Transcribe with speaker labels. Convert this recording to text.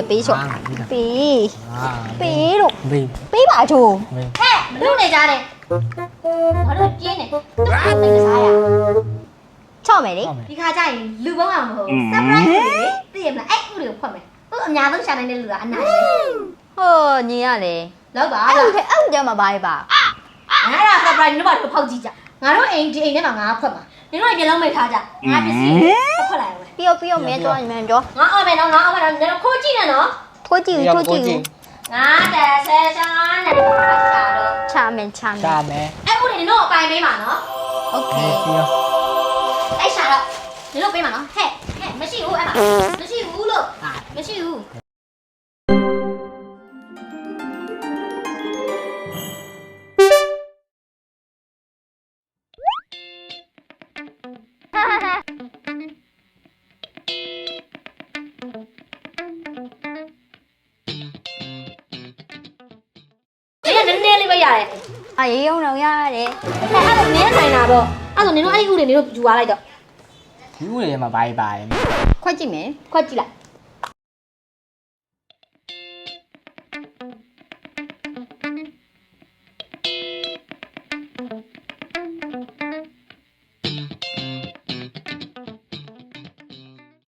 Speaker 1: ပဲပေးချော့ပေးလို့ပေးပါချိုး
Speaker 2: ဟဲ့မလုပ်နေကြနဲ့ဘာလို့ကျင်းနေသူ့ကိုသိစားရ
Speaker 1: ချော့မယ်လေ
Speaker 2: ဒီခါကျရင်လူပေါင်းအောင်မဟုတ် surprise လေသိရမလားအဲ့ဥတွေကိုဖွက်မယ်သူ့အများဆုံးရှာနိုင်တဲ့လူကအနိုင်ပဲ
Speaker 1: ဟိုညီရလေ
Speaker 2: လောက်ပါ
Speaker 1: အဲ့
Speaker 2: လား
Speaker 1: အဲ့ကျမပါပါ
Speaker 2: ငါက surprise နင်တို့ဘာလို့ဖောက်ကြည့်ကြငါတို့အိမ်ဒီအိမ်ထဲမှာငါဖွက်မှာနင်တို့မျက်လုံးမိတ်ထားကြငါပစ္စည်းဖွက်လိုက်အောင်
Speaker 1: ပြီးတော့မင်းကြောမင်းကြော
Speaker 2: ငါအောင်မယ်နော်ငါအောင်မယ်နော်နင်တို့ခိုးကြည့်နေနော်
Speaker 1: ထိုးကြည့်ငါတက်ဆဲရှာတော့ ချမယ်
Speaker 2: အဲ့ဥတွေနင်တို့အပိုင်ပေးမှာနော်
Speaker 1: โอเค
Speaker 2: အဲ့ရှာတော့နင်တို့ပေးမှာနော်ဟဲ့မရှိဘူးအဲ့မှာမရှိဘူးလို့မရှိဘူးနည်းနည်းလေးပဲရတယ်
Speaker 1: အေးရုံတော့ရတယ်
Speaker 2: အဲ့ဒါနင်းနိုင်တာပေါ့အဲ့ဒါနင်တို့အဲ့ဒီဥတွေနင်တို့ယူသွားလိုက်တော့
Speaker 3: ဒီဦးတွေမှာဘာပါတယ်
Speaker 1: ခွက်ကြည့်မယ်
Speaker 2: ခွက်ကြည့်လိုက်